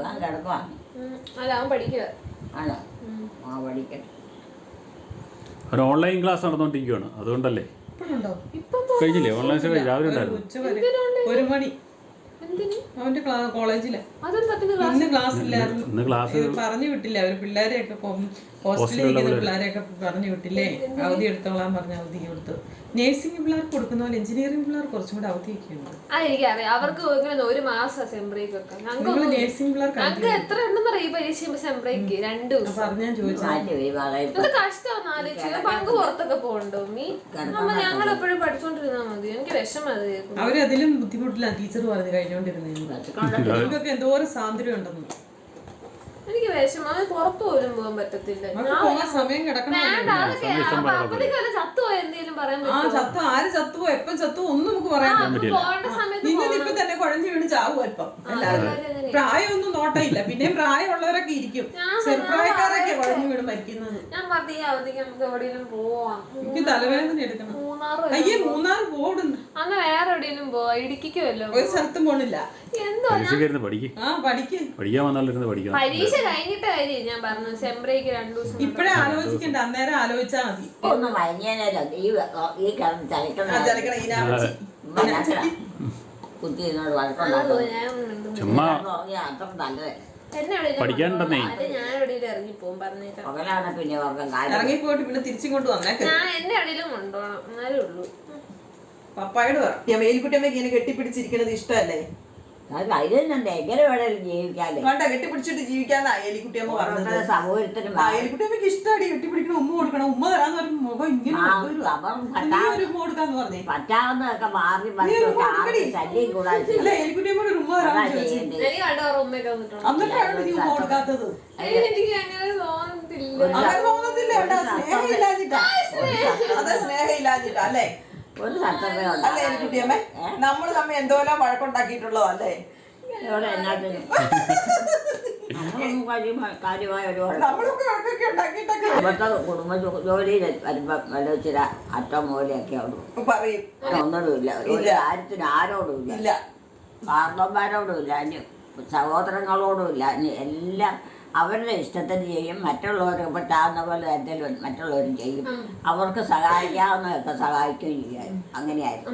S5: ഒരു ഓൺലൈൻ ക്ലാസ് നടന്നുകൊണ്ടിരിക്കുകയാണ്, അതുകൊണ്ടല്ലേ. കഴിഞ്ഞില്ലേ ഓൺലൈൻ രാവിലെ ഉണ്ടായിരുന്നു.
S2: 1 മണി അവന്റെ കോളേജില് ഇന്ന് ക്ലാസ് ഇല്ലായിരുന്നു. പറഞ്ഞു വിട്ടില്ല അവര്, പിള്ളേരെയൊക്കെ ഹോസ്റ്റലിൽ പിള്ളേരെയൊക്കെ പറഞ്ഞു വിട്ടില്ലേ, അവധി എടുത്തോളാൻ പറഞ്ഞ അവധി കൊടുത്തു. നേഴ്സിംഗ് പിള്ളേർക്ക് കൊടുക്കുന്ന പോലെ എഞ്ചിനീയറിംഗ് പിള്ളേർ കുറച്ചും കൂടെ അവധിയൊക്കെ ഉണ്ട്.
S4: അതെനിക്കറിയാം, അവർക്ക് ഇങ്ങനെ 1 മാസം സെംബ്രേക്കൊക്കെ.
S2: നേഴ്സിംഗ് പിള്ളേർക്ക്
S4: എത്ര ഉണ്ടെന്ന് പറയും പരീക്ഷ സെംബ്രേക്ക് 2 ദിവസം.
S2: പറഞ്ഞാൽ
S4: ചോദിച്ചാൽ കഷ്ടമാണ് ആലോചിച്ചു. പങ്ക് പുറത്തൊക്കെ പോകണ്ടോ മീ? ഞങ്ങൾ എപ്പോഴും പഠിച്ചോണ്ടിരുന്നാ മതി. എനിക്ക് വിഷമം അത് കേൾക്കും.
S2: അവരതിലും ബുദ്ധിമുട്ടില്ല ടീച്ചർ പറഞ്ഞു കഴിഞ്ഞോണ്ടിരുന്നേക്ക് എന്തോരം സ്വാതന്ത്ര്യം ഉണ്ടെന്ന്.
S4: എനിക്ക് വിഷമം, പുറത്തു പോലും പോകാൻ പറ്റത്തില്ല.
S2: സമയം കിടക്കണം.
S4: ചത്തുപോയ എന്തെങ്കിലും പറയാൻ
S2: ചത്തു ആര് ചത്തുവോ എപ്പം ചത്തുവോ ഒന്നും നമുക്ക് പറയാൻ പറ്റില്ല. ഇപ്പൊ തന്നെ കുഴഞ്ഞു വീണ് ചാവും അല്പം. പ്രായമൊന്നും നോട്ടയില്ല, പിന്നെയും പ്രായമുള്ളവരൊക്കെ ഇരിക്കും, ചെറുപ്രായക്കാരൊക്കെ കുഴഞ്ഞു വീണ് മരിക്കുന്നത്.
S4: ഞാൻ പറഞ്ഞ അവധിക്ക് നമുക്ക് എവിടെയെങ്കിലും പോവാം.
S2: എനിക്ക് തലവേദന എടുക്കണം. അയ്യേ മൂന്നാർ പോടുന്നു.
S4: അന്ന് വേറെ എവിടെയെങ്കിലും പോവാ, ഇടുക്കിക്കുമല്ലോ.
S2: ഒരു സ്ഥലത്തും പോണില്ല.
S4: പരീക്ഷ കഴിഞ്ഞിട്ട് കാര്യം ഞാൻ പറഞ്ഞു. സെംബ്രേക്ക് 2 ദിവസം
S2: ഇപ്പഴേ ആലോചിക്കണ്ട, അന്നേരം ആലോചിച്ചാ മതി.
S1: ഒന്നും വൈകുന്നേരമല്ലോ ഈ കിടന്ന് കുത്തിനോട് വഴക്കുണ്ടാക്കും. അത്ര നല്ലതല്ല. പകലാണ് പിന്നെ
S2: ഇറങ്ങിപ്പോയിട്ട് പിന്നെ തിരിച്ചും കൊണ്ട് വന്നേക്കാം.
S4: ഞാൻ എന്നെ എവിടെയെങ്കിലും കൊണ്ടുപോകണം, എന്നാലേ ഉള്ളൂ.
S2: പപ്പായോട് പറയാം, മേലിക്കുട്ടിയമ്മ ഇങ്ങനെ കെട്ടിപ്പിടിച്ചിരിക്കുന്നത് ഇഷ്ടമല്ലേ?
S1: എങ്ങനെ വേണേലും ജീവിക്കാല്ലേ.
S2: വേണ്ട, കെട്ടിപ്പിടിച്ചിട്ട് ജീവിക്കാന്നാ എലിക്കുട്ടിയമ്മ പറഞ്ഞത്.
S1: സമൂഹത്തിനും
S2: എലിക്കുട്ടിയമ്മക്ക് ഇഷ്ടമാണ് കെട്ടിപ്പിടിക്കണം, ഉമ്മ കൊടുക്കണം. ഉമ്മ തരാന്ന് പറയുമ്പോ മുഖം ഇങ്ങനെ ഉമ്മ കൊടുക്കാന്ന് പറഞ്ഞേ.
S1: പറ്റാവുന്നതൊക്കെ മാറി ശല്യം കൂടാതെ
S2: എലിക്കുട്ടിയമ്മോട് ഒരു ഉമ്മ തരാന്ന് ചോദിച്ചു. എന്നിട്ടാണ് നീ ഉമ്മ കൊടുക്കാത്തത്. അങ്ങനെ തോന്നത്തില്ല. സ്നേഹം ഇല്ലാഞ്ഞിട്ടാ, അതെ സ്നേഹം ഇല്ലാഞ്ഞിട്ടാ അല്ലേ?
S1: ഒരു സത്യമേ
S2: അല്ലേ എലിക്കുട്ടിയമ്മേ? നമ്മള് തമ്മിൽ എന്തോരം വഴക്കുണ്ടാക്കിയിട്ടുള്ളതല്ലേ?
S1: ഇവിടുത്തെ കുടുംബ ജോലിയിൽ വരുമ്പോ വല്ലച്ചിര അറ്റം മൂലയൊക്കെ
S2: പറയും.
S1: ഒന്നിടുമില്ല, ഒരു കാര്യത്തിന് ആരോടുമില്ല, കാരണവന്മാരോടുമില്ല, ഇനി സഹോദരങ്ങളോടുമില്ല, ഇനി എല്ലാം അവരുടെ ഇഷ്ടത്തിന് ചെയ്യും. മറ്റുള്ളവർക്ക് പറ്റാവുന്ന പോലെ എന്തെങ്കിലും മറ്റുള്ളവരും ചെയ്യും. അവർക്ക് സഹായിക്കാവുന്നതൊക്കെ സഹായിക്കുകയും ചെയ്യാം. അങ്ങനെയായിരുന്നു.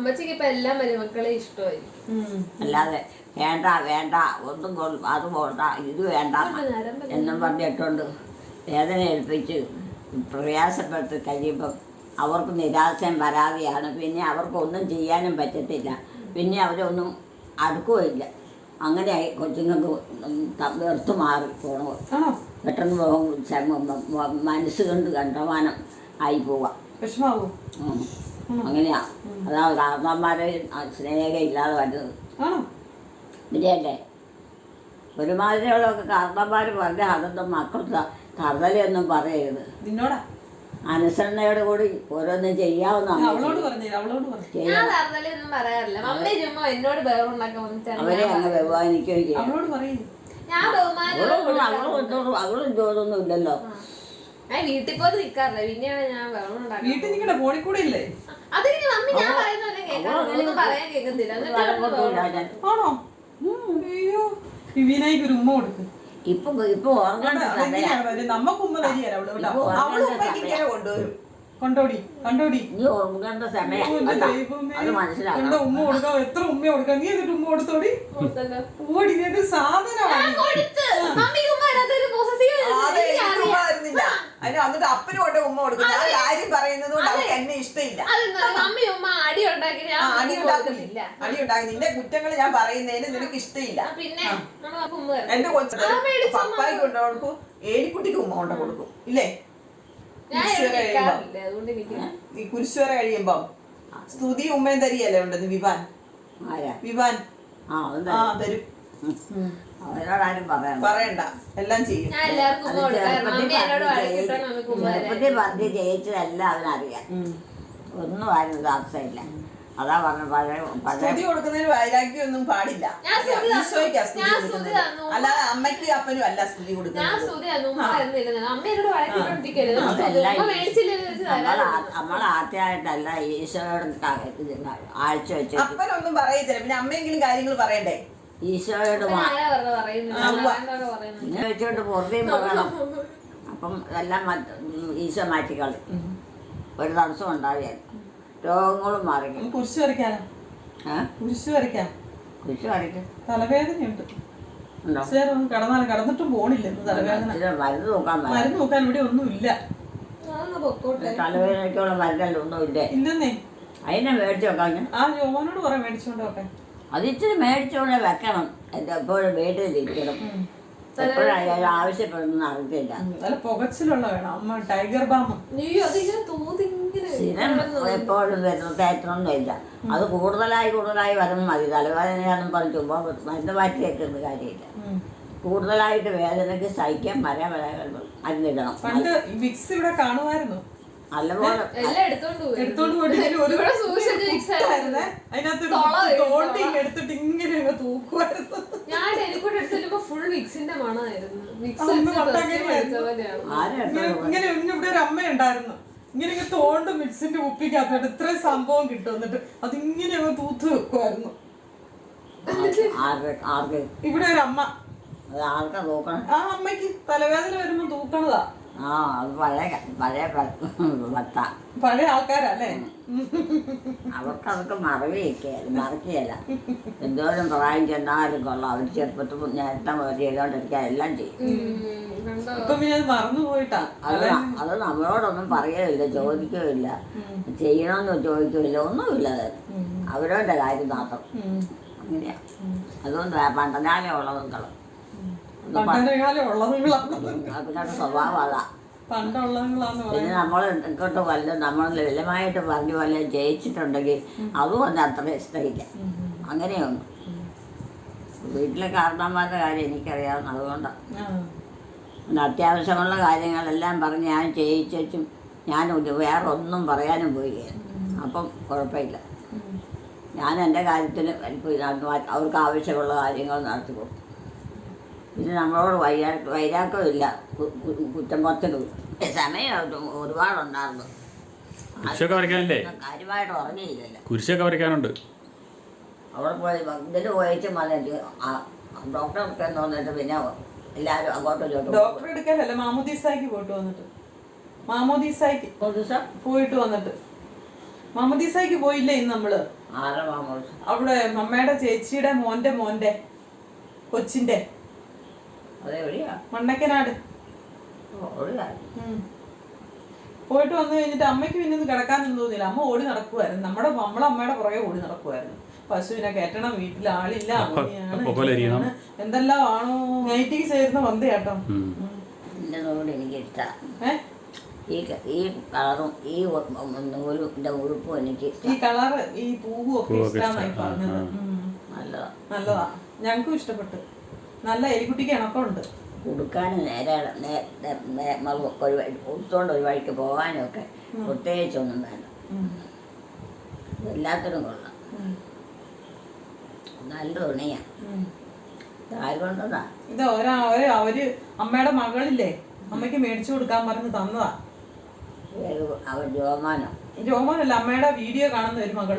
S1: അല്ലാതെ വേണ്ട വേണ്ട ഒന്നും അത് പോണ്ട ഇത് വേണ്ട എന്നും പറഞ്ഞിട്ടുണ്ട് വേദന ഏൽപ്പിച്ച് പ്രയാസപ്പെട്ട് കഴിയുമ്പം അവർക്ക് നിരാശയും പരാതിയാണ്. പിന്നെ അവർക്കൊന്നും ചെയ്യാനും പറ്റത്തില്ല. പിന്നെ അവരൊന്നും അടുക്കുകയില്ല. അങ്ങനെയായി കൊച്ചുങ്ങൾക്ക് വെറുത്ത് മാറി പോകണം.
S2: ആണോ?
S1: പെട്ടെന്ന് മനസ്സ് കൊണ്ട് കണ്ടമാനം ആയി പോവാം.
S2: വിഷമാവൂ?
S1: അങ്ങനെയാ. അതാ കാരണന്മാരെ സ്നേഹം ഇല്ലാതെ വരുന്നത്.
S2: ആണോ?
S1: ഇല്ലല്ലേ? ഒരുമാതിരിയുള്ളതൊക്കെ കാരണന്മാർ പറഞ്ഞ അതൊന്നും മക്കൾ കറുതലയൊന്നും പറയരുത്.
S2: നിന്നോടാ?
S1: അനുസരണയോട് കൂടി ഓരോന്നും ചെയ്യാവുന്ന
S2: അവളോട് പറഞ്ഞു. അവളോട് പറഞ്ഞു.
S4: ഞാൻ കറുതലൊന്നും പറയാറില്ല. മമ്മി ചുമ്മാ എന്നോട് ബഹുണ്ടാക്കാൻ
S1: അവരെ അങ്ങ് ബഹുമാനിക്കുകയും ചെയ്യും.
S2: അവളോട് പറയും.
S4: ഞാൻ ബഹുമാനം
S1: അവളും ജോലൊന്നും ഇല്ലല്ലോ.
S4: ഞാൻ വീട്ടിൽ പോയി നിൽക്കാറില്ല. പിന്നെയാണ് ഞാൻ വെള്ളം ഉണ്ടാക്കുന്നത്.
S2: വീട്ടിൽ നിൽക്കണ്ട, ഫോണിൽ കൂടെ ഇല്ലേ?
S4: അതിന് മമ്മി ഞാൻ പറയുന്നല്ലേ കേൾക്കാൻ പറയാൻ കേൾക്കുന്നില്ല.
S2: ആണോ? അയ്യോ, വിവിനായിക്ക് ഒരു ഉമ്മ കൊടുക്ക്.
S1: ഇപ്പൊ
S2: നമ്മക്ക് ഉമ്മ തരികയല്ല അവള് കേട്ടോ. അവള് ഉമ്മയ്ക്ക് ഇങ്ങനെ കൊണ്ടുവരും. കണ്ടോടി കണ്ടോടി,
S1: നീ ഓർമ്മേണ്ട സമയം അത് മനസ്സിലാക്കണം.
S2: എന്താ ഉമ്മ കൊടുക്കാം? എത്ര ഉമ്മ കൊടുക്കാം? നീ എന്നിട്ട് ഉമ്മ കൊടുത്തോടി. ഓടി സാധനമാണ്. അതിന് വന്നിട്ട് അപ്പനും കൊണ്ട് ഉമ്മ കൊടുക്കും. ഞാൻ കാര്യം പറയുന്നത് കൊണ്ട് അവർക്ക് എന്നെ ഇഷ്ടമില്ല. അടി ഉണ്ടാക്കി നിന്റെ കുറ്റങ്ങൾ ഞാൻ പറയുന്നതിന് നിനക്ക് ഇഷ്ടമില്ല. എന്റെ കൊച്ചു പപ്പായ്ക്ക് കൊണ്ട് കൊടുക്കും, ഏലിക്കുട്ടിക്ക് ഉമ്മ കൊണ്ട് കൊടുക്കും. ഇല്ലേ? ഈ കുരിശുവര കഴിയുമ്പോ സ്തുതി ഉമ്മയും തരികയല്ലേ ഉണ്ടെന്ന് വിവാൻ. വിവാൻ തരും. പറയണ്ട, എല്ലാം ചെയ്യും.
S1: ചെറുപ്പത്തിൽ പറഞ്ഞ് ജയിച്ചതല്ല അവനറിയാം. ഒന്നും ആരും താമസമില്ല. അതാ പറഞ്ഞ
S2: സ്തുതി കൊടുക്കുന്നതിന് വൈരാഗ്യമൊന്നും പാടില്ല. ഈശോയ്ക്കാ സ്തുതി കൊടുക്കുന്നത്, അല്ലാതെ അമ്മയ്ക്ക് അപ്പനും അല്ല സ്തുതി കൊടുക്കുന്നത്.
S1: നമ്മളാദ്യമായിട്ടല്ല ഈശോയോട് ആഴ്ച വെച്ച്
S2: അപ്പനൊന്നും പറയത്തില്ല. പിന്നെ അമ്മയെങ്കിലും കാര്യങ്ങൾ പറയണ്ടേ?
S1: ഈശോയോട് ഇങ്ങനെ വെച്ചോണ്ട് പുറത്തേയും പറയണം. അപ്പം എല്ലാം ഈശോ മാറ്റിക്കളി. ഒരു തടസ്സം ഉണ്ടാവുകയല്ല. രോഗങ്ങളും മാറി.
S2: കുരിശ് വരയ്ക്കാനോ? കുരിശ് വരയ്ക്കാം.
S1: കുരിശ് വരയ്ക്കും.
S2: തലവേദനയുണ്ട്. കടന്നിട്ടും പോണില്ല. തലവേദന
S1: മരുന്ന്
S2: നോക്കാൻ ഇവിടെ ഒന്നും ഇല്ല.
S1: തലവേദനയ്ക്കുള്ള മരുന്നല്ല ഒന്നും ഇല്ലേ?
S2: ഇല്ലെന്നേ.
S1: അതിനെ മേടിച്ചു വെക്കാൻ.
S2: ആ ജോമോനോട് പറയാം മേടിച്ചോണ്ട് വെക്കാൻ.
S1: അതിച്ചിരി മേടിച്ചോണ്ട് വെക്കണം. എപ്പോഴും വീട്ടിലിരിക്കണം. എപ്പോഴായാലും ആവശ്യപ്പെടുന്ന അറിയത്തില്ല.
S2: നല്ല പുകച്ചിലുള്ള വേണം. അമ്മ ടൈഗർ ബാം
S1: എപ്പോഴും തേറ്റണമൊന്നുമില്ല. അത് കൂടുതലായി വരുമ്പോൾ മതി. തലവേദനയാണെന്ന് പറഞ്ഞു ചുമ്മാ മരുന്ന് മാറ്റി വെക്കുന്ന കാര്യമില്ല. കൂടുതലായിട്ട് വേദനയ്ക്ക് സഹിക്കാൻ മരുന്നിടണം.
S2: പണ്ട് വിക്സ് ഇവിടെ കാണുമായിരുന്നു.
S1: നല്ലപോലെ
S2: എടുത്തോണ്ട് അതിനകത്ത് തോണ്ടി എടുത്തിട്ട് ഇങ്ങനെ തൂക്കുമായിരുന്നു.
S4: ഞാൻ ടെലിഫോൺ എടുത്തിട്ട് ഫുൾ വിക്സിന്റെ മണമായിരുന്നു.
S2: ഇങ്ങനെ ഇവിടെ ഒരു അമ്മ ഉണ്ടായിരുന്നു. ഇങ്ങനെ തോണ്ട് മിക്സിന്റെ കുപ്പിക്കകത്തോട്ട് ഇത്രയും സംഭവം കിട്ടും. എന്നിട്ട് അതിങ്ങനെ തൂത്ത് വെക്കുമായിരുന്നു. ഇവിടെ ഒരു അമ്മ, ആ അമ്മക്ക് തലവേദന വരുമ്പോ തൂക്കണതാ.
S1: അത്
S2: പഴയ ആൾക്കാരല്ലേ?
S1: അവർക്കതൊക്കെ മറക്കുകയല്ല. എന്തോരം പ്രായം ചെന്നാലും കൊള്ളാം. അവർ ചെറുപ്പത്തിൽ നേരത്തെ ചെയ്തോണ്ടിരിക്കാൻ എല്ലാം ചെയ്യും.
S2: മറന്നു പോയിട്ടാ.
S1: അത് നമ്മളോടൊന്നും പറയുകയില്ല, ചോദിക്കുകയില്ല, ചെയ്യണമെന്ന് ചോദിക്കുകയില്ല, ഒന്നുമില്ല. അവരവരുടെ കാര്യം മാത്രം. അങ്ങനെയാ. അതുകൊണ്ട് പണ്ടനാലേ ഉള്ളതും അവരുടെ സ്വഭാവം അതാ. പിന്നെ നമ്മൾ ഇങ്ങോട്ട് വല്ലതും നമ്മൾ ലളിതമായിട്ട് പറഞ്ഞു വല്ലതും ജയിച്ചിട്ടുണ്ടെങ്കിൽ അതും ഒന്ന് അത്ര ഇഷ്ടമില്ല. അങ്ങനെയൊന്നും വീട്ടിലെ കാരണന്മാരുടെ കാര്യം എനിക്കറിയാവുന്ന അതുകൊണ്ടാണ്. പിന്നെ അത്യാവശ്യമുള്ള കാര്യങ്ങളെല്ലാം പറഞ്ഞ് ഞാൻ ചെയ്യിച്ചും ഞാൻ വേറെ ഒന്നും പറയാനും പോവുകയാണ്. അപ്പം കുഴപ്പമില്ല. ഞാൻ എൻ്റെ കാര്യത്തിന് അവർക്ക് ആവശ്യമുള്ള കാര്യങ്ങൾ നടത്തി കൊടുക്കും. പിന്നെ നമ്മളോട് വൈരാഗ്യമില്ല, കുറ്റം പുറത്തിടും. സമയം ഒരുപാടുണ്ടായിരുന്നു. കാര്യമായിട്ട് ഉറങ്ങിയില്ലല്ലോ.
S5: കുരിശൊക്കെ വരയ്ക്കാനുണ്ട്.
S1: അവിടെ പോയി ഇതിന് പോയിട്ട് വന്നിട്ട് ഡോക്ടർക്ക് തോന്നിട്ട് പിന്നെ എല്ലാവരും അങ്ങോട്ടും
S2: ഡോക്ടർ എടുക്കാനല്ല, മാമോദീസായ്ക്ക് പോയിട്ട് വന്നിട്ട്. മാമോദീസായ്ക്ക് പോയിട്ട് വന്നിട്ട് മാമോദീസായ്ക്ക് പോയില്ലേ ഇന്ന് നമ്മള്? അവിടെ അമ്മയുടെ ചേച്ചിയുടെ മോന്റെ കൊച്ചിന്റെ മണ്ണക്കനാട് പോയിട്ട് വന്നു കഴിഞ്ഞിട്ട് അമ്മയ്ക്ക് പിന്നെ ഒന്ന് കിടക്കാനൊന്നും തോന്നിയില്ല. അമ്മ ഓടി നടക്കുമായിരുന്നു. നമ്മളമ്മയുടെ പുറകെ ഓടി നടക്കുമായിരുന്നു. പശുവിനെ കയറ്റണം, വീട്ടിൽ ആളില്ല, അങ്ങനെയാണ് എന്തെല്ലാം ആണോ. നൈറ്റിക്ക് ചേരുന്ന വന്തയാട്ടോ.
S1: എനിക്ക് ഇഷ്ടമാണ് ഈ കളറും ഈ നൂലിന്റെ ഉടുപ്പും എനിക്ക്
S2: ഈ കളറ് ഈ പൂവും ഒക്കെ ഇഷ്ടമായി പറഞ്ഞത്. നല്ലതാ, ഞങ്ങൾക്കും ഇഷ്ടപ്പെട്ടു. നല്ല എലിക്കുട്ടിക്ക് ഇണക്കമുണ്ട്.
S1: ഉടുക്കാൻ നേരെ ഉടുത്തോണ്ട് ഒരു വഴിക്ക് പോകാനും ഒക്കെ പ്രത്യേകിച്ചൊന്നും വേണ്ട. എല്ലാത്തിനും കൊള്ളാം. നല്ല തുണിയാ. ആരുകൊണ്ടതാ
S2: ഇത് അവര് അമ്മയുടെ മകളില്ലേ, അമ്മയ്ക്ക് മേടിച്ചു കൊടുക്കാൻ പറഞ്ഞ് തന്നതാ.
S1: അവർ
S2: രോമാനല്ല, അമ്മയുടെ വീഡിയോ കാണുന്ന ഒരു മകള്.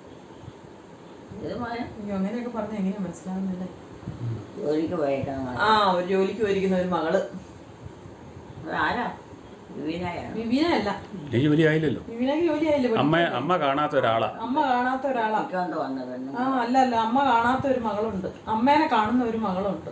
S2: അങ്ങനെയൊക്കെ പറഞ്ഞ എങ്ങനെയാ മനസ്സിലാവുന്നില്ലേ?
S1: ജോലിക്ക് പോയേക്കണം.
S2: ഒരു ജോലിക്ക് പോയിരിക്കുന്ന ഒരു മകള്.
S1: ആരാ?
S2: വിവീനയല്ല.
S5: ജോലി ആയില്ലല്ലോ.
S2: വിവീനക്ക് ജോലി ആയില്ല.
S5: അമ്മ കാണാത്ത ഒരാളാ.
S2: അമ്മ കാണാത്ത ഒരാളാ. അല്ല അമ്മ കാണാത്ത ഒരു മകളുണ്ട്. അമ്മേനെ കാണുന്ന ഒരു മകളുണ്ട്.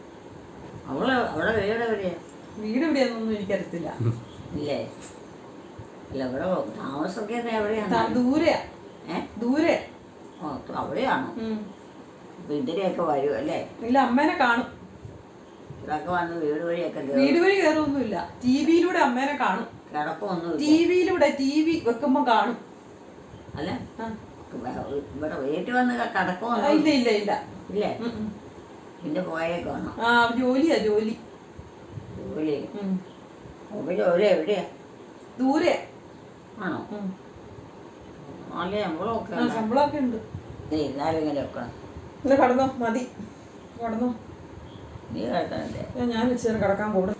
S2: വീട് എവിടെയാന്നൊന്നും എനിക്കറിയത്തില്ല.
S1: ഇല്ലേ? അല്ല, ഇവിടെ താമസമൊക്കെ എവിടെയാണ്?
S2: ദൂരെയാ. ദൂരെ
S1: അവിടെയാണോ? ഇതിനെയൊക്കെ വരും അല്ലേ?
S2: ഇല്ല, അമ്മേനെ കാണും.
S1: ഇതൊക്കെ വന്ന് വീട് വഴിയൊക്കെ
S2: വീട് വഴി കയറൊന്നുമില്ല. ടിവിയിലൂടെ അമ്മേനെ കാണും.
S1: കിടക്കൊന്നും
S2: ടിവിയിലൂടെ TV വെക്കുമ്പോ കാണും.
S1: അല്ല, ഇവിടെ വീട്ടിൽ വന്ന് കിടക്കൊന്നും
S2: ഇല്ല ഇല്ല ഇല്ല
S1: ഇല്ലേ? പിന്നെ പോയേക്കാണോ?
S2: ജോലിയാ ജോലി.
S1: ജോലി ജോലി എവിടെയാ?
S2: ദൂരെ
S1: ആണോ? നല്ല
S2: ശമ്പളമൊക്കെ ഉണ്ട്.
S1: ഇരുന്നാലും ഇങ്ങനെ വെക്കണം.
S2: ഇന്ന് കടന്നോ? മതി, കടന്നോ.
S1: നീ കിടക്കണല്ലേ?
S2: ഞാൻ വെച്ച് കിടക്കാൻ കൂടും.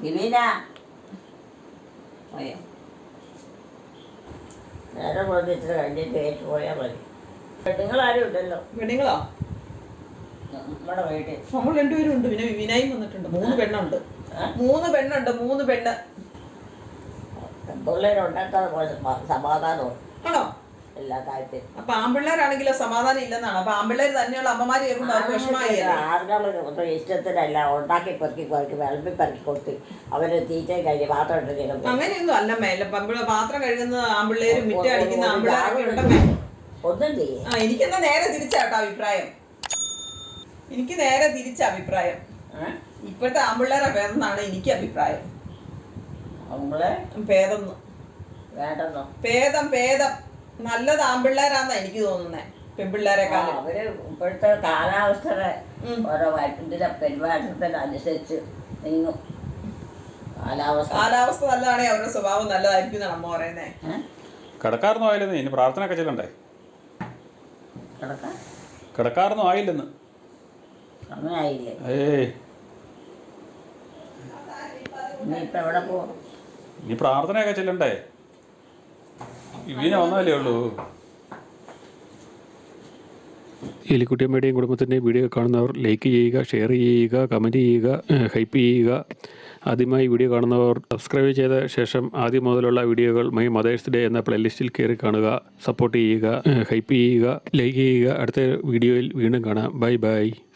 S1: നേരെ പോയിട്ട് കഴിഞ്ഞിട്ട് ഏറ്റു പോയാൽ മതി. വെഡിങ്ങളാരും ഇല്ലല്ലോ.
S2: വെഡിങ്ങളോ?
S1: നമ്മുടെ വീട്ടിൽ
S2: നമ്മൾ രണ്ടുപേരും ഉണ്ട്. പിന്നെ വിവിനായും വന്നിട്ടുണ്ട്. 3 പെണ്ണുണ്ട്. 3 പെണ്ണുണ്ട്. 3 പെണ്ണ്.
S1: പിള്ളേരുണ്ടാക്കാതെ സമാധാനവും
S2: ആണോ?
S1: എല്ലാ കാര്യത്തിലും.
S2: അപ്പൊ ആൺപിള്ളേരാണെങ്കിലോ സമാധാനം ഇല്ലെന്നാണ്. അപ്പൊ ആൺപിള്ളേർ തന്നെയുള്ള അമ്മമാര് കേൾക്കുമ്പോൾ അവർക്ക് വിഷമമായി.
S1: ആളുകൾ ഇഷ്ടത്തിനല്ല ഉണ്ടാക്കി പെറുക്കി വിളമ്പി പെറുക്കി കൊടുത്ത് അവര് തീറ്റ കഴിഞ്ഞ് പാത്രം എടുത്ത്
S2: അങ്ങനെയൊന്നും അല്ല മേല. പാത്രം കഴുകുന്ന ആൺപിള്ളേരും മിറ്റ അടിക്കുന്ന ആൺപിള്ളേരൊക്കെ ഉണ്ടമ്മേ.
S1: ഒന്നും ചെയ്യും.
S2: എനിക്കെന്നാ നേരെ തിരിച്ചാട്ടോ അഭിപ്രായം. എനിക്ക് നേരെ തിരിച്ച അഭിപ്രായം. ഇപ്പോഴത്തെ ആൺപിള്ളേരെ ഭേദമെന്നാണ് എനിക്ക് അഭിപ്രായം. ഭേദം ഭേദം നല്ലത് ആൺപിള്ളേരാന്നാ എനിക്ക് തോന്നുന്നേ, പെൺപിള്ളേരെക്കാളും.
S1: അവര് ഇപ്പോഴത്തെ കാലാവസ്ഥയുടെ ഓരോ ഇതിന്റെ പെരുമാറ്റത്തിനനുസരിച്ച് നീങ്ങും.
S2: കാലാവസ്ഥ നല്ലതാണെങ്കിൽ അവരുടെ സ്വഭാവം നല്ലതായിരിക്കും എന്നാണ് അമ്മ പറയുന്നേ.
S5: കിടക്കാറൊന്നും ആയില്ലെന്ന്. ഇനി പ്രാർത്ഥന ഒക്കെ ചെല്ലണ്ടേ? കിടക്കാറൊന്നും ആയില്ലെന്ന്.
S1: സമയമായില്ലേ? ഇനിയിപ്പോ എവിടെ പോവും?
S5: ഇനി പ്രാർത്ഥനയൊക്കെ ചെല്ലണ്ടേ? ഇവനെ വന്നാലേ ഉള്ളൂ.
S3: എലിക്കുട്ടിയമ്മയുടെയും കുടുംബത്തിൻ്റെയും വീഡിയോ കാണുന്നവർ ലൈക്ക് ചെയ്യുക, ഷെയർ ചെയ്യുക, കമൻറ്റ് ചെയ്യുക, ഹൈപ്പ് ചെയ്യുക. ആദ്യമായി വീഡിയോ കാണുന്നവർ സബ്സ്ക്രൈബ് ചെയ്ത ശേഷം ആദ്യം മുതലുള്ള വീഡിയോകൾ മൈ മദേഴ്സ് ഡേ എന്ന പ്ലേലിസ്റ്റിൽ കയറി കാണുക. സപ്പോർട്ട് ചെയ്യുക, ഹൈപ്പ് ചെയ്യുക, ലൈക്ക് ചെയ്യുക. അടുത്ത വീഡിയോയിൽ വീണ്ടും കാണാം. Bye by.